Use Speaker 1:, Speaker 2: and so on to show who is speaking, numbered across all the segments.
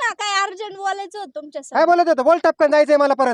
Speaker 1: त्यांना काय अर्जंट बोलायचं होतं तुमच्या
Speaker 2: काय बोलत होतं? बोल टपकन, जायचंय मला परत.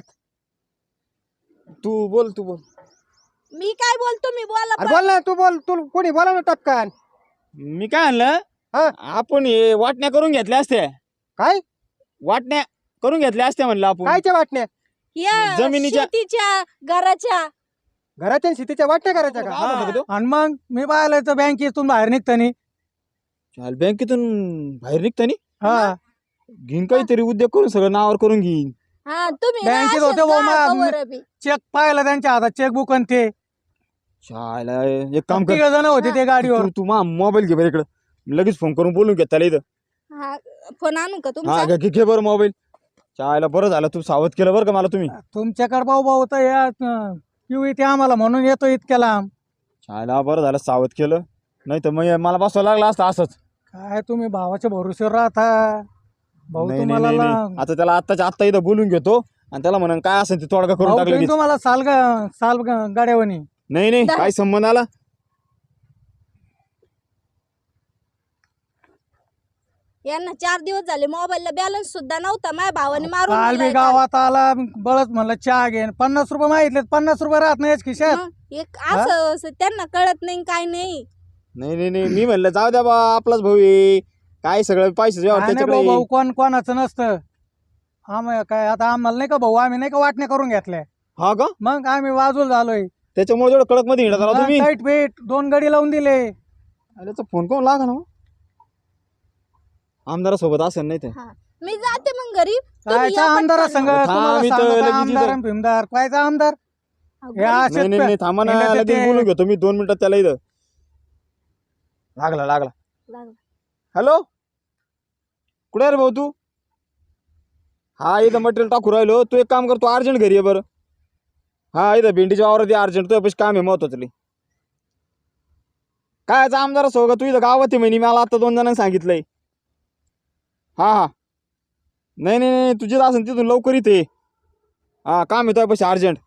Speaker 3: तू बोल
Speaker 1: मी काय बोलतो मी बोला
Speaker 2: अरे बोल ना, तू बोल, तू कोणी बोला ना टपकन.
Speaker 3: मी काय म्हणलं
Speaker 2: हा?
Speaker 3: आपण हे वाटण्या करून घेतल्या असत्या.
Speaker 2: काय
Speaker 3: वाटण्या करून घेतल्या असत्या म्हणलं आपण.
Speaker 2: कायच्या वाटण्या?
Speaker 1: या
Speaker 3: जमिनीच्या-
Speaker 1: शेतीच्या घराच्या
Speaker 2: घराच्या शेतीच्या वाटण्या करायच्या का?
Speaker 3: काय म्हणतो तो?
Speaker 4: आणि मग मी पाहिलं तर बँकेतून बाहेर निघतानी
Speaker 3: चाल बँकेतून बाहेर निघतानी
Speaker 4: हा
Speaker 3: घेईन काहीतरी उद्योग करून सगळं नावावर करून घेईन.
Speaker 1: हा तुम्ही ना
Speaker 4: बँकेत
Speaker 1: असेच
Speaker 4: होते भाऊ,
Speaker 1: जा
Speaker 4: मा-
Speaker 1: कवर बी.
Speaker 4: चेक पाहिला त्यांच्या हातात, चेकबुक आणि ते
Speaker 3: शाळेला एक काम कर,
Speaker 4: तिघ जण होते ते गाडीवर.
Speaker 3: तू मोबाईल घे बरं इकडं, लगेच फोन करून बोलून घे त्याला इथं.
Speaker 1: हा फोन आणू का
Speaker 3: हा
Speaker 1: तुमचा?
Speaker 3: घे बरं मोबाईल. शाळेला बरं झालं तू सावध केलं बरं का मला तुम्ही.
Speaker 4: तुमच्याकडे भाऊ तर या किंवा ते आम्हाला म्हणून येतो इतक्या लांब.
Speaker 3: शाळेला बरं झालं सावध केलं, नाही तर मग मला बसवायला लागला असतं असंच.
Speaker 4: काय तुम्ही भावाच्या भरोश्यावर राहता भाऊ.
Speaker 3: नाही,
Speaker 4: तुम्हाला
Speaker 3: नाही, नाही. आता त्याला आत्ता इथं बोलून घेतो आणि त्याला म्हणून काय असेल ते तोडगा करून
Speaker 4: भाऊ,
Speaker 3: टाकलं.
Speaker 4: तुम्ही तुम्हाला साल गाड्यावनी.
Speaker 3: नाही काय संबंध आला.
Speaker 1: यांना 4 दिवस झाले मोबाईलला बॅलन्स सुद्धा नव्हता. माझ्या भावाने मारून
Speaker 4: काल
Speaker 1: दिलाय
Speaker 4: बी
Speaker 1: काल.
Speaker 4: गावात आला बळच म्हणलं चहा घेन, 50 रुपये मागितले, 50 रुपये राहत नाही खिशात.
Speaker 1: मग एक असं त्यांना कळत नाही काय नाही.
Speaker 3: नाही मी म्हणलं जाऊ द्या बा, आपलाच भाऊ आहे, काय सगळं पैसे
Speaker 4: काय नाही
Speaker 3: त्याच्याकडे.
Speaker 4: भाऊ, भाऊ कोणाचं नसतं. काय आता आम्हाला नाही का भाऊ, आम्ही नाही का वाटण्या करून घेतल्या,
Speaker 3: हा का?
Speaker 4: मग आम्ही वाजून झालोय.
Speaker 3: त्याच्यामुळे जेवढं कडक मध्ये हिंडत आला तुम्ही.
Speaker 4: टाईट पेट 2 गडी लावून दिले.
Speaker 3: त्याचा फोन कोण लागा ना आमदारासोबत असेल नाही ते.
Speaker 1: हा मी जाते मग घरी. तुम्ही
Speaker 4: कायचा
Speaker 1: या
Speaker 4: आमदार
Speaker 1: पटकन.
Speaker 4: संघ
Speaker 3: थांब,
Speaker 4: तुम्हाला
Speaker 3: इथं
Speaker 4: सांगतो,
Speaker 3: लगेच
Speaker 4: आमदार
Speaker 3: इथं.
Speaker 4: आणि भीमदार कायचा आमदार.
Speaker 1: अहो,
Speaker 4: हे असेच
Speaker 3: नाही थांबा ना,
Speaker 4: हिंडत
Speaker 3: लगेच
Speaker 4: येते.
Speaker 3: बोलून घेतो मी 2 मिनिटात त्याला इथं. लागला
Speaker 1: लागलं.
Speaker 3: हॅलो, कुठे रे भाऊ तू? हा इथं मटेरियल टाकू राहिलो. तू एक काम कर, तू अर्जंट घरी आहे बरं. हा इथं भेंडीच्या वावरात अर्जंट, तुझ्या पैसे काम आहे महत्वाचं. काय आमदार असो का तू? इथं गावात आहे म्हणे, मला आता 2 जणांनी सांगितलंय. हा नाही तुझी असेल तिथून लवकर इथे. हा काम आहे तुझ्या पैसे अर्जंट.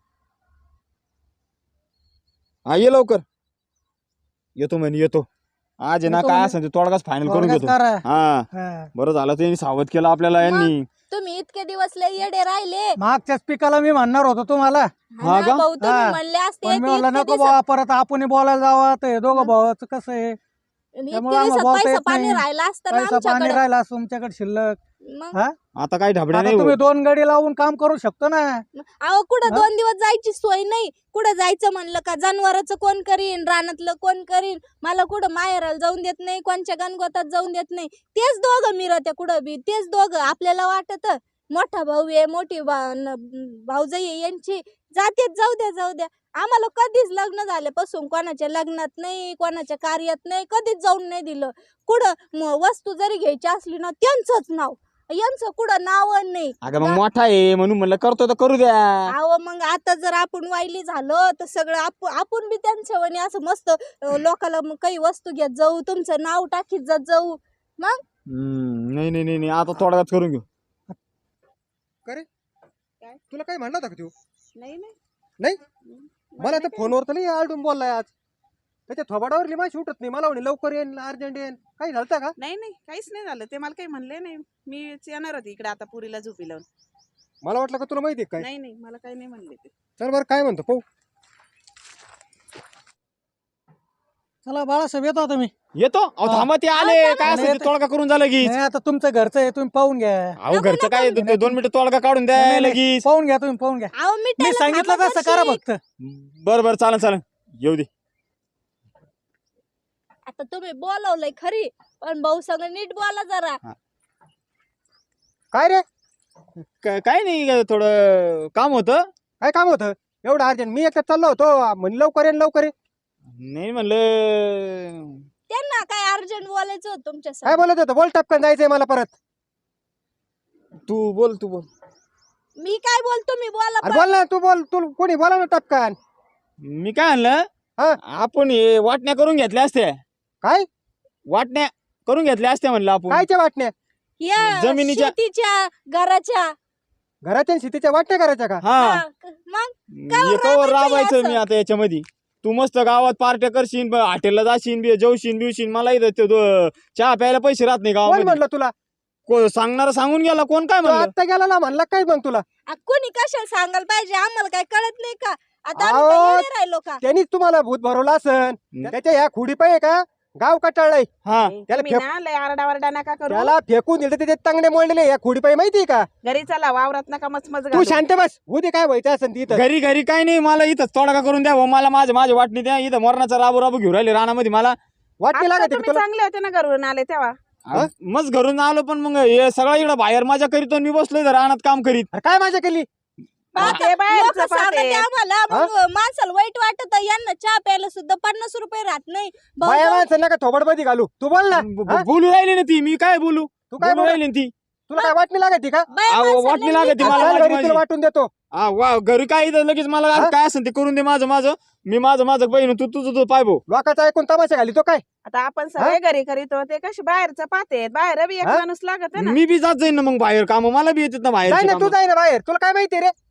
Speaker 3: हा ये लवकर. येतो म्हणे येतो. आज आहे ना,
Speaker 4: येतो
Speaker 3: काय
Speaker 4: म्हणे.
Speaker 3: असेल ते तोडगाच फायनल करून
Speaker 4: थोडक्यात
Speaker 3: घेतो.
Speaker 4: करा.
Speaker 3: हा
Speaker 4: हा.
Speaker 3: बरं झालं त्यांनी सावध केलं आपल्याला यांनी.
Speaker 1: तुम्ही इतके दिवस लय येडे राहिले.
Speaker 4: मागच्याच पिकाला मी म्हणणार होतो तुम्हाला,
Speaker 3: हा
Speaker 1: हा
Speaker 3: का?
Speaker 1: ना भाऊ, तुम्ही
Speaker 4: हा.
Speaker 1: म्हणले असते
Speaker 4: पण मी
Speaker 1: की
Speaker 4: म्हणलं
Speaker 1: इतके
Speaker 4: नको
Speaker 1: दिवसात-
Speaker 4: बाबा, परत आपण बोलायला जावं तर हे दोघं भावाचं कसं आहे,
Speaker 1: इतके
Speaker 4: त्यामुळे आम्हाला
Speaker 1: दिवसात
Speaker 4: बोलता
Speaker 1: पैसा
Speaker 4: येत
Speaker 1: पाणी
Speaker 4: नाही.
Speaker 1: राहिला असता ना
Speaker 4: पैसा पाणी
Speaker 1: आमच्याकडे.
Speaker 4: राहिला असं तुमच्याकडे शिल्लक.
Speaker 1: मग
Speaker 4: हा
Speaker 3: आता काही ढाबड्या
Speaker 4: आता
Speaker 3: नाही
Speaker 4: तुम्ही
Speaker 3: भाऊ.
Speaker 4: 2 गडी लावून काम करू शकतो ना.
Speaker 1: अहो कुठं
Speaker 4: हा?
Speaker 1: 2 दिवस जायची सोय नाही. कुठं जायचं म्हणलं का जनावरांचं कोण करीन, रानातलं कोण करीन. मला कुठं माहेराला जाऊन देत नाही, कोणच्या गणगोतात जाऊन देत नाही. तेच दोघं मिरत्या कुठं बी, तेच दोघं. आपल्याला वाटत मोठा भाऊ आहे, मोठी भाऊजाई आहे यांची, जातेच, जाऊ द्या. आम्हाला कधीच लग्न झाल्यापासून कोणाच्या लग्नात नाही, कोणाच्या कार्यात नाही, कधीच जाऊन नाही दिलं. कुठं वस्तू जरी घ्यायची असली ना, त्यांचंच नाव, यांचं कुठं नाव नाही.
Speaker 3: अगं मग मोठा आहे म्हणून म्हणलं करतो तर करू द्या.
Speaker 1: अहो मग आता जर आपण वाईली झालो तर सगळं आपण बी त्यांच्या वाणी असं मस्त लोकाला मग काही वस्तू घेत जाऊ, तुमचं नाव टाकीत जात जाऊ. मग
Speaker 3: नाही आता तोडगाच करून घेऊ.
Speaker 2: तुला काय म्हणला होता का तू?
Speaker 1: नाही
Speaker 2: नाही मला तर फोनवर तर नाही आलटून बोललाय आज. त्याच्या थोबाडावर माझी उठत नाही. मला म्हणे लवकर येईन, अर्जंट येईन. काही झालं का?
Speaker 5: नाही काहीच नाही झालं. ते मला काही म्हणले नाही. मीच येणार होती इकडे आता पुरीला झोपी लावून.
Speaker 2: मला वाटलं का तुला माहिती आहे काय.
Speaker 5: नाही मला काही नाही म्हणले ते.
Speaker 2: चल बरं, काय म्हणतो पाहू.
Speaker 4: चला बाळासाहेब, येतो आता मी.
Speaker 3: येतो. अहो
Speaker 4: हा.
Speaker 3: थांबा, ते आले. काय असेल ते तोडगा करून झालं की.
Speaker 4: नाही, आता तुमचं घरचं आहे, तुम्ही पाहून घ्या.
Speaker 3: अहो घरचं काय 2 मिनिटं तोडगा काढून द्या
Speaker 4: नाही, नाही,
Speaker 3: लगेच.
Speaker 4: पाहून घ्या, तुम्ही पाहून घ्या.
Speaker 1: अहो
Speaker 4: मी सांगितलं तसं करा फक्त.
Speaker 3: बरं चालेल येऊ दे.
Speaker 1: आता तुम्ही बोलवलंय खरी, पण भाऊ संग नीट बोला जरा.
Speaker 2: काय रे,
Speaker 3: काय नाही, थोडं काम होतं.
Speaker 2: काय काम होतं एवढं अर्जंट? मी एकटा चाललो होतो, म्हणे लवकर ये.
Speaker 3: नाही म्हणलं
Speaker 1: त्यांना काय अर्जंट बोलायचं होतं तुमच्या
Speaker 2: काय
Speaker 1: संग.
Speaker 2: बोलत होतं? बोल टपकन, जायचंय मला परत.
Speaker 3: तू बोल.
Speaker 1: मी काय बोलतो मी बोला
Speaker 2: अरे बोल ना, तू बोल, तू कोणी बोला ना टपकन.
Speaker 3: मी काय म्हणलं
Speaker 2: हा?
Speaker 3: आपण हे वाटण्या करून घेतल्या असत्या.
Speaker 2: काय
Speaker 3: वाटण्या करून घेतल्या असत्या म्हणलं आपण.
Speaker 2: कायच्या वाटण्या?
Speaker 1: या
Speaker 3: जमिनीच्या-
Speaker 1: शेतीच्या घराच्या.
Speaker 2: घराच्या शेतीच्या वाटण्या करायच्या का?
Speaker 3: हा
Speaker 1: मग
Speaker 3: हे कवर राबायचं
Speaker 1: असं?
Speaker 3: मी आता याच्यामध्ये. तू मस्त गावात पार्ट्या करशील, हॉटेलला जाशील, जेवशील बिवशील. मला इथं चहा प्यायला पैसे राहत नाही
Speaker 2: कोण
Speaker 3: गावामध्ये.
Speaker 2: म्हणलं तुला?
Speaker 3: सांगणारा सांगून गेला, कोण काय
Speaker 2: तो
Speaker 3: म्हणलं?
Speaker 2: आत्ता गेला ना, म्हणला काय मग तुला?
Speaker 1: कोणी कशाला सांगायला पाहिजे, आम्हाला काय कळत नाही का? आता आम्ही
Speaker 2: अहो,
Speaker 1: काय येडे राहिलो का?
Speaker 2: त्यांनीच तुम्हाला भूत भरवलं असन. त्याच्या ह्या खुडी पाहिजे का गाव कटाळलंय.
Speaker 3: हा
Speaker 2: त्याला
Speaker 5: तुम्ही ना लय आरडावरडा नका करू.
Speaker 2: त्याला फेकून दिलं त्याचे तांगडे मोडलेले या खुडी पाहिजे माहितीये का?
Speaker 5: घरी चला, वावरात नका मचमच
Speaker 2: तू
Speaker 5: घालू.
Speaker 2: शांत बस, उद्या काय व्हायचं असेल तिथं.
Speaker 3: घरी घरी काय नाही, मला इथं तोडगा करून द्या, मला माझ्या वाटणी द्या. इथं मरणाचा राबू राबू घेऊन राहिले रानामध्ये मला.
Speaker 2: वाटणी
Speaker 5: आता
Speaker 2: लागत
Speaker 5: तुम्ही
Speaker 2: तुला.
Speaker 5: चांगले होते ना घरून आले तेव्हा.
Speaker 3: मग घरून आलो, पण मग हे सगळं इकडं बाहेर माझ्या करीत मी बसलोय इथं रानात काम करीत.
Speaker 2: अरे काय माझ्या केली?
Speaker 5: ते बाहेरचं
Speaker 1: लोकं सांगते
Speaker 5: पाहते.
Speaker 1: आम्हाला, मग माणसाला वाईट वाटत. यांना चहा प्यायला सुद्धा 50 रुपये राहत नाही. भाऊ
Speaker 2: बाया
Speaker 1: जाऊ-
Speaker 2: माणसं नका थोबडमध्ये घालू. तू बोल ना. हा?
Speaker 3: बोलू राहिली ना ती, मी काय बोलू?
Speaker 2: तू काय
Speaker 3: बोलू
Speaker 2: बोल?
Speaker 3: राहिली ना ती.
Speaker 2: तुला काय वाटणी लागत का?
Speaker 1: बाया
Speaker 3: अहो,
Speaker 1: माणसाला
Speaker 3: वाटणी
Speaker 1: नाही
Speaker 3: लागते
Speaker 1: का?
Speaker 3: मला.
Speaker 2: चल
Speaker 3: माझी-
Speaker 2: घरी तुला वाटून देतो.
Speaker 3: वा घरी काय इथं लगेच मला
Speaker 2: हा?
Speaker 3: काय असेल ते करून दे माझं मी माझं बहीण, तू तुझं पाय भाऊ.
Speaker 2: लोकांचा ऐकून तमाशा घाली तो काय?
Speaker 5: आता आपण सगळे घरी करीतो, ते कशी बाहेरचं पाहते. बाहेर बी एक
Speaker 2: हा?
Speaker 5: माणूस लागत आहे ना.
Speaker 3: मी बी जात जाईन ना मग बाहेर काम, मला बी येतात ना
Speaker 2: जाय
Speaker 3: बाहेर
Speaker 2: ना, तू जाय ना बाहेर. तुला काय माहिती रे?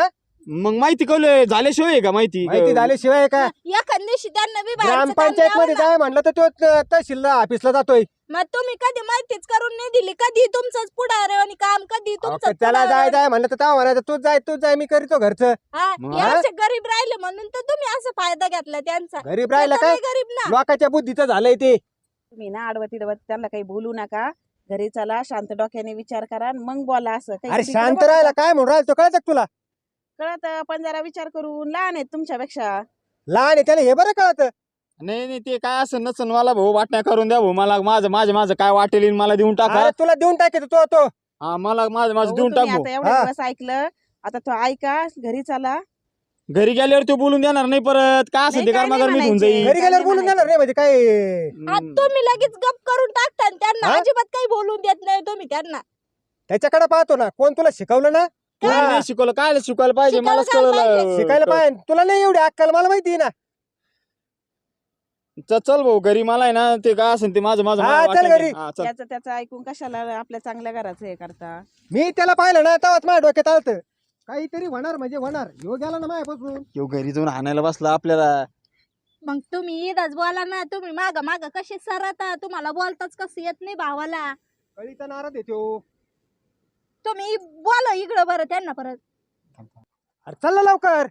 Speaker 3: मग माहिती कळलं झाल्याशिवाय आहे का माहिती?
Speaker 2: माहिती झाल्याशिवाय का?
Speaker 1: एखाद दिवशी त्यांना बी बाहेरचं काम
Speaker 2: ग्रामपंचायत मध्ये
Speaker 1: द्यावं ना.
Speaker 2: जाय म्हणलं तर तो तहसील ऑफिसला जातोय.
Speaker 1: मग तुम्ही कधी माहितीच करून नाही दिली. कधी तुमचंच पुढारे आणि काम, कधी
Speaker 2: अहो,
Speaker 1: तुमचं
Speaker 2: त्याला जाय म्हणलं तर तेव्हा म्हणायचं तू जाय मी करीतो घरचं.
Speaker 3: मग?
Speaker 1: गरीब राहिले म्हणून तर तुम्ही असं फायदा घेतला त्यांचा.
Speaker 2: गरीब राहिला
Speaker 1: ते
Speaker 2: काय?
Speaker 1: तर गरीब ना.
Speaker 2: लोकांच्या बुद्धीचं झालंय ते.
Speaker 5: तुम्ही ना आडवती त्यांना काही बोलू नका. घरी चला, शांत डोक्याने विचार करा आणि मग बोला. असं काही
Speaker 2: अरे
Speaker 5: तिकडे
Speaker 2: शांत
Speaker 5: बघा.
Speaker 2: राहायला काय म्हणून राहिला तो कळत तुला?
Speaker 5: कळत, पण जरा विचार करून. लहान आहेत तुमच्यापेक्षा.
Speaker 2: लहान आहे त्याला हे बरं कळत.
Speaker 3: नाही ते काय असं नसन, मला भाऊ वाटण्या करून द्या भाऊ. मला माझं काय वाटेल मला देऊन टाका.
Speaker 2: अरे तुला देऊन टाकेल तो.
Speaker 3: हा मला माझं
Speaker 5: भाऊ,
Speaker 3: देऊन टाक
Speaker 5: तुम्ही
Speaker 3: भाऊ.
Speaker 5: आता एवढे
Speaker 2: हा.
Speaker 5: दिवस ऐकलं, आता तो ऐका. घरी चला.
Speaker 3: घरी गेल्यावर तो बोलून देणार नाही परत. काय असं
Speaker 5: नाही,
Speaker 3: ते
Speaker 5: काय
Speaker 3: कर्मागर
Speaker 5: नाही
Speaker 3: मी होऊन
Speaker 5: म्हणायचे.
Speaker 3: जाईल.
Speaker 2: घरी गेल्यावर बोलून देणार नाही म्हणजे काय?
Speaker 1: आज तुम्ही लगेच गप करून टाकता आणि त्यांना
Speaker 2: हा?
Speaker 1: अजिबात काही बोलून देत नाही तुम्ही त्यांना.
Speaker 2: त्याच्याकडे पाहतो ना, कोण तुला शिकवलं ना?
Speaker 3: कोणी
Speaker 2: हा.
Speaker 3: नाही शिकवलं, काय शिकवायला पाहिजे
Speaker 1: शिकायला
Speaker 3: मलाच
Speaker 1: काय
Speaker 3: कळलं.
Speaker 1: पाहिजे?
Speaker 2: शिकायला पाहिजे. तुला नाही एवढी अक्कल, मला माहिती ना.
Speaker 3: चल भाऊ घरी, मला आहे ना ते काय असेल ते माझं
Speaker 2: हा, चल
Speaker 3: वाटेल
Speaker 2: घरी.
Speaker 3: ते. हा, चल.
Speaker 5: त्याचं ऐकून कशाला आपल्या चांगल्या घराचं हे करता.
Speaker 2: मी त्याला पाहिलं ना तेव्हाच माझ्या डोक्यात आलत काहीतरी होणार म्हणजे होणार. ह्यो गेला ना माझ्यापासून.
Speaker 3: ह्यो घरी जाऊन आणायला बसला आपल्याला.
Speaker 1: मग तुम्ही इथंच बोला ना. तुम्ही माग कसे सरता, तुम्हाला बोलताच कसं येत नाही भावाला.
Speaker 2: कळीचा नाराज येतो.
Speaker 1: तुम्ही बोला इकडं बरं त्यांना परत.
Speaker 2: अरे चल ना लवकर.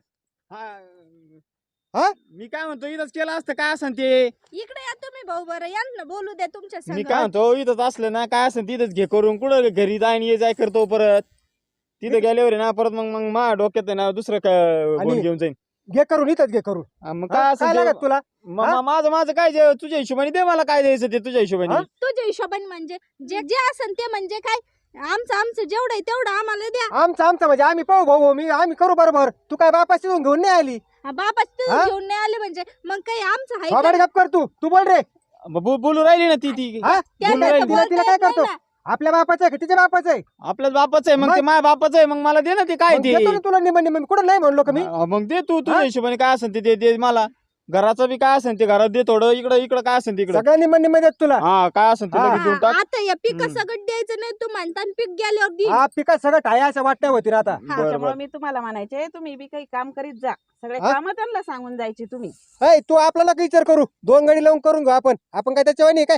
Speaker 2: हा?
Speaker 3: मी काय म्हणतो इथंच केलं असतं काय असेल ते.
Speaker 1: इकडे या तुम्ही भाऊ बरं, यांना बोलू द्या तुमच्या
Speaker 3: मी
Speaker 1: संग.
Speaker 3: काय म्हणतो इथंच असलं ना काय असेल तिथंच घे करून. कुठं घरी जाईन ये जाय करतो परत. तिथं गेल्यावर आहे ना परत मग माझ्या डोक्यात आहे ना दुसरं काय
Speaker 2: आणि-
Speaker 3: घेऊन जाईन.
Speaker 2: घे करून इथंच घे करून.
Speaker 3: मग
Speaker 2: हा?
Speaker 3: काय
Speaker 2: काय
Speaker 3: असेल
Speaker 2: लागत तुला?
Speaker 3: माझं काय तुझ्या हिशोबाने दे, मला काय द्यायचं ते तुझ्या हिशोबाने.
Speaker 2: हा?
Speaker 1: तुझ्या हिशोबाने म्हणजे जे असन ते म्हणजे काय, आमचं जेवढं आहे तेवढं आम्हाला द्या.
Speaker 2: आमचं म्हणजे आम्ही पाहू भाऊ आम्ही करू बरोबर. तू काय बापाशी घेऊन नाही आली?
Speaker 1: बाबा तू
Speaker 2: हा?
Speaker 1: घेऊन नाही आले म्हणजे मग काही आमचं आहे
Speaker 2: बाबा
Speaker 1: का?
Speaker 2: गप कर तू बोल रे.
Speaker 3: बोलू राहिली ना ती
Speaker 2: हा?
Speaker 1: त्यांना
Speaker 2: बोलू
Speaker 1: तर
Speaker 2: राहिली.
Speaker 1: बोलता
Speaker 2: तिला काय
Speaker 1: येत नाही
Speaker 2: करतो?
Speaker 1: ना.
Speaker 2: आपल्या बापाचं आहे का तिच्या बापाचं आहे?
Speaker 3: आपल्याच बापाचं आहे, मग
Speaker 2: मग?
Speaker 3: ते माझ्या बापाचं आहे, मग मला दे ना ते काय
Speaker 2: मग
Speaker 3: ते.
Speaker 2: देतो ना तुला निम कुठं नाही म्हणलो का मी?
Speaker 3: मग दे तू तुझ्या
Speaker 2: हा?
Speaker 3: हिशोबाने काय असेल ते दे मला. घराचं बी काय असेल ते घरात दे थोडं. इकडं काय असेल तिकडं.
Speaker 2: सगळं निम देत तुला.
Speaker 3: हा काय असेल ते
Speaker 2: हा.
Speaker 3: लगेच देऊन टाक.
Speaker 1: आता या पिका
Speaker 3: हम्म.
Speaker 1: सगळं द्यायचं नाही तू म्हणता आणि पीक गेल्यावर दे.
Speaker 2: हा पिका सगळं ठाया असं वाटण्या होती ना आता.
Speaker 3: बरं
Speaker 5: त्याच्यामुळे
Speaker 3: बरं.
Speaker 5: मी तुम्हाला म्हणायचे, तुम्ही बी काही काम करीत जा. सगळे
Speaker 2: हा?
Speaker 5: काम त्यांना सांगून जायचे तुम्ही.
Speaker 2: ऐ तू आपल्याला काही विचार करू. 2 गडी लावून करून घेऊ आपण काय त्याच्यावर नाही काय?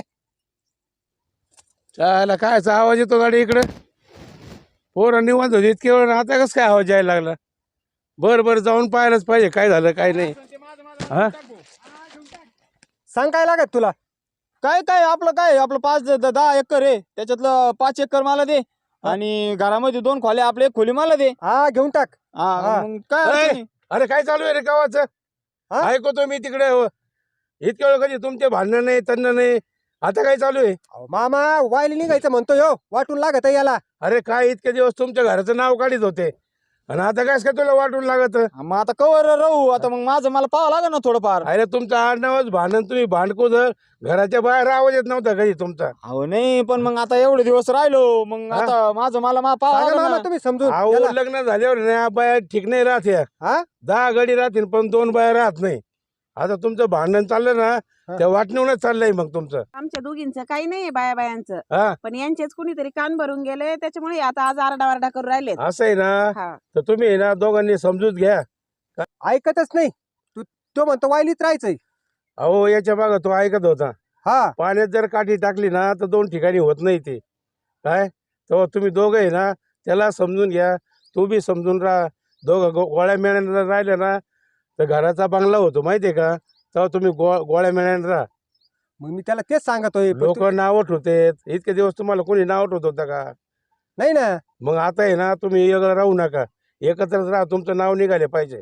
Speaker 6: चायला कायचा आवाज येतो गाडी इकडे? पोरं निवांत होते इतके वेळ, आता कसं काय आवाज यायला लागला? बरं जाऊन पाहायलाच पाहिजे काय झालं काय नाही. हा?
Speaker 2: सांग काय लागत तुला?
Speaker 3: काय आपलं 5-10 एकर आहे, त्याच्यातलं 5 एकर मला दे. आणि घरामध्ये 2 खोल्या, आपले 1 खोली मला दे.
Speaker 2: हा घेऊन टाक.
Speaker 3: हा
Speaker 2: हा.
Speaker 3: मग काय अडचण नाही.
Speaker 6: अरे काय चालू आहे रे गावाचं?
Speaker 2: हा?
Speaker 6: ऐकतो मी तिकडे. इतक्या वेळ कधी तुमचे भांडणं नाही तन्न नाही. आता काय चालू आहे?
Speaker 2: अहो, मामा वायली निघायचं म्हणतो यो वाटून लागत आहे याला.
Speaker 6: अरे काय इतके दिवस तुमच्या घराचं नाव काढीत होते आणि आता काय काय तुला वाटून लागत?
Speaker 3: मग आता कवर राहू आता, मग माझं मला पाहावं लागेल ना थोडंफार.
Speaker 6: अरे तुमचं आडनावच भांडण, तुम्ही भांडको जर घराच्या बाहेर आवाज येत नव्हता कधी तुमचा.
Speaker 3: अहो नाही, पण मग आता एवढे दिवस राहिलो, मग
Speaker 2: हा?
Speaker 3: आता माझं मला पाहावं
Speaker 2: सांगा
Speaker 3: लागेल
Speaker 2: मामा
Speaker 3: ना.
Speaker 2: तुम्ही समजून
Speaker 6: अहो
Speaker 2: याला.
Speaker 6: लग्न झाल्यावर ना बाया ठीक नाही राहत या.
Speaker 2: हा?
Speaker 6: 10 गडी राहतील पण 2 बाया राहत नाही. आता तुमचं भांडण चाललं ना,
Speaker 2: हा.
Speaker 6: त्या वाटणीवरच चाललंय मग तुमचं.
Speaker 5: आमच्या दोघींचं काही नाही बायांचं,
Speaker 6: हा
Speaker 5: पण यांचेच कुणीतरी कान भरून गेले, त्याच्यामुळे आता आज आरडावारडा करून राहिले.
Speaker 6: असं आहे ना,
Speaker 5: हा.
Speaker 6: तर तुम्ही आहे ना दोघांनी समजूत घ्या.
Speaker 2: ऐकतच नाही. तो म्हणतो वायलीत राहायचंय.
Speaker 6: अहो याच्या मागं तो ऐकत होता.
Speaker 2: हा
Speaker 6: पाण्यात जर काठी टाकली ना तर 2 ठिकाणी होत नाही ते. काय तेव्हा तुम्ही दोघं आहे ना त्याला समजून घ्या, तू बी समजून राहा. दोघं गोळ्या मेळ्याने राहिले ना तर घराचा बंगला होतो माहितीये का. तेव्हा तुम्ही गोळ्या मेळ्याने राहा.
Speaker 2: मग मी त्याला तेच सांगतोय पण
Speaker 6: लोक नाव ठेवते. इतके दिवस तुम्हाला कोणी नाव ठेवत होतं का.
Speaker 2: नाही ना.
Speaker 6: मग आता आहे ना तुम्ही वेगळं राहू नका, एकत्रच राहा. तुमचं नाव निघाले पाहिजे.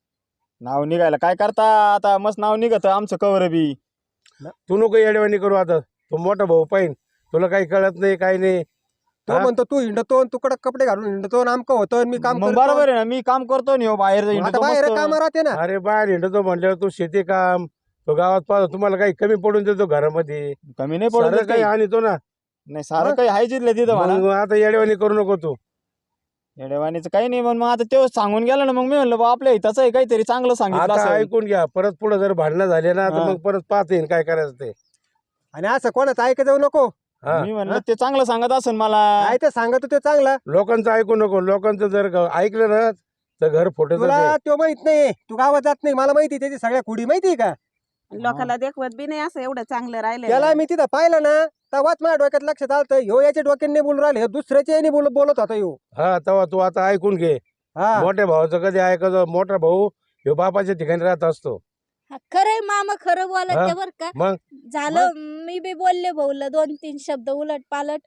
Speaker 3: नाव निघायला काय करता आता, मस्त नाव निघत आमचं कवर बी.
Speaker 6: तू नको येडवाणी करू. आता तू मोठा भाऊ पाहिन, तुला काही कळत नाही काही नाही.
Speaker 2: तो
Speaker 6: हा?
Speaker 2: म्हणतो तू हिंडतो तू कडक कपडे घालून हिंडतो आमकं होतं मी काम
Speaker 3: मग
Speaker 2: करतो.
Speaker 3: बरोबर आहे ना, मी काम करतो नि बाहेर
Speaker 2: मग
Speaker 3: जाईन
Speaker 2: आता बाहेर काम राहते ना.
Speaker 6: अरे बाहेर हिंडतो म्हणल्यावर तू शेती काम, तो गावात पाहतो, तुम्हाला काही कमी पडून देतो घरामध्ये.
Speaker 3: कमी नाही पडत
Speaker 6: सारं काही आणतो ना.
Speaker 3: नाही सारं काही आहे जिथलं तिथं म्हणा.
Speaker 6: मग आता येडवाणी करू नको तू.
Speaker 3: येडेवाणीचं काही नाही, मग आता ते सांगून गेलं ना, मग मी म्हणलं बा आपल्या हिताचं आहे काहीतरी चांगलं सांगितलं
Speaker 6: आता
Speaker 3: असेल.
Speaker 6: ऐकून घ्या, परत पुढे जर भांडणं झाले ना तर
Speaker 3: हा.
Speaker 6: मग परत पाहता येईल काय करायचं ते.
Speaker 2: आणि असं कोणाचं ऐकत जाऊ नको.
Speaker 6: हा.
Speaker 3: मी म्हणलं ते चांगलं सांगत असेल मला.
Speaker 2: काय ते सांगतो ते चांगला.
Speaker 6: लोकांचं ऐकू नको. लोकांचं जर ऐकलं ना तर घर फुटत.
Speaker 2: तुला तो माहित नाही, तू गावात जात नाही, मला माहिती त्याची सगळ्या कुडी माहिती का.
Speaker 5: लोकांना देखवत बी नाही असं एवढं चांगलं राहिलं.
Speaker 2: त्याला मी तिथं पाहिलं ना तेव्हाच माझ्या डोक्यात लक्षात आलं ह्यो याच्या डोक्याने बोलून राहिले, दुसऱ्याच्या याने बोलत होता ह्यो.
Speaker 6: हा तेव्हा तू आता ऐकून घे.
Speaker 2: हा
Speaker 6: मोठ्या भावाचं कधी ऐकायचं. मोठा भाऊ ह्यो बापाच्या ठिकाणी राहत असतो.
Speaker 1: खरंय मामा, खरं बोलत
Speaker 6: हा?
Speaker 1: ते बर का.
Speaker 6: मग
Speaker 1: झालं मी बी बोलले भाऊला 2-3 शब्द उलट पालट.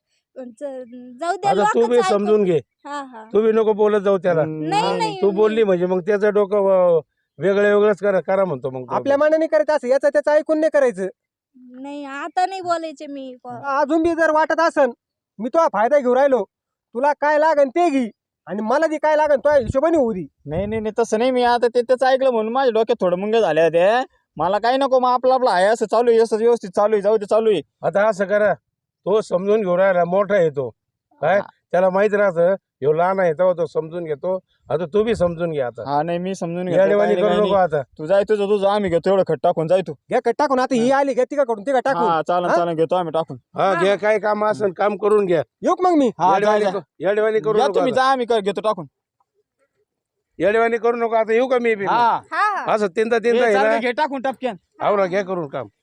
Speaker 1: जाऊ दे
Speaker 6: आता तू बी
Speaker 1: लोकच
Speaker 6: समजून घे.
Speaker 1: हा हा.
Speaker 6: तू बी नको बोलत जाऊ त्याला.
Speaker 1: नाही नाही
Speaker 6: तू बोलली म्हणजे मग त्याचं डोकं वेगळंच करा म्हणतो मग तो.
Speaker 2: आपल्या मनाने करायचं असं, याचं त्याचं ऐकून नाही करायचं.
Speaker 1: नाही आता नाही बोलायचे मी.
Speaker 2: अजून बी जर वाटत असन मी तो फायदा घेऊ राहिलो, तुला काय लागन ते घे आणि मला ती काय लागन तो हिशोबाने होऊ दे.
Speaker 3: नाही नाही नाही, तसं नाही. मी आता ते त्याचं ऐकलं म्हणून माझ्या डोक्यात थोडं मुंग्या झाल्या ते. मला काही नको, मग आपलं आहे असं चालू आहे, असं व्यवस्थित चालू आहे, जाऊ दे चालू आहे.
Speaker 6: आता असं करा, तो समजून घेऊ राहिला, मोठा येतो काय त्याला माहित राहतं ह्यो लहान आहे तेव्हा तो समजून घेतो. आता तू बी समजून घे. आता
Speaker 3: हा नाही मी समजून घेतो,
Speaker 6: येडेवाणी
Speaker 3: काही
Speaker 6: करू
Speaker 3: नाही,
Speaker 6: नको.
Speaker 3: काही
Speaker 6: आता
Speaker 3: नाही. तू जाय तुझं तुझं, आम्ही घेतो एवढं खट टाकून जाय तू.
Speaker 2: घ्या कट टाकून. आता ही आली घ्या तिका कडून तिका टाकून.
Speaker 3: हा चालन
Speaker 2: हा?
Speaker 3: चालन, घेतो आम्ही टाकून.
Speaker 6: हा घ्या, काय काम असेल काम करून घ्या.
Speaker 2: येऊ का मग मी.
Speaker 3: हा जा, जा.
Speaker 6: येडेवाणी करू
Speaker 3: या
Speaker 6: नको.
Speaker 3: तुम्ही
Speaker 6: आता.
Speaker 3: जा, आम्ही घेतो टाकून.
Speaker 6: येडेवाणी करू नको. आता येऊ का मी बी.
Speaker 3: हा
Speaker 1: हा हा.
Speaker 6: असं तीनदा
Speaker 3: ए,
Speaker 6: आहे
Speaker 3: चालतं,
Speaker 6: ना.
Speaker 3: घे टाकून टपक्यान.
Speaker 6: आवरा घ्या करून काम.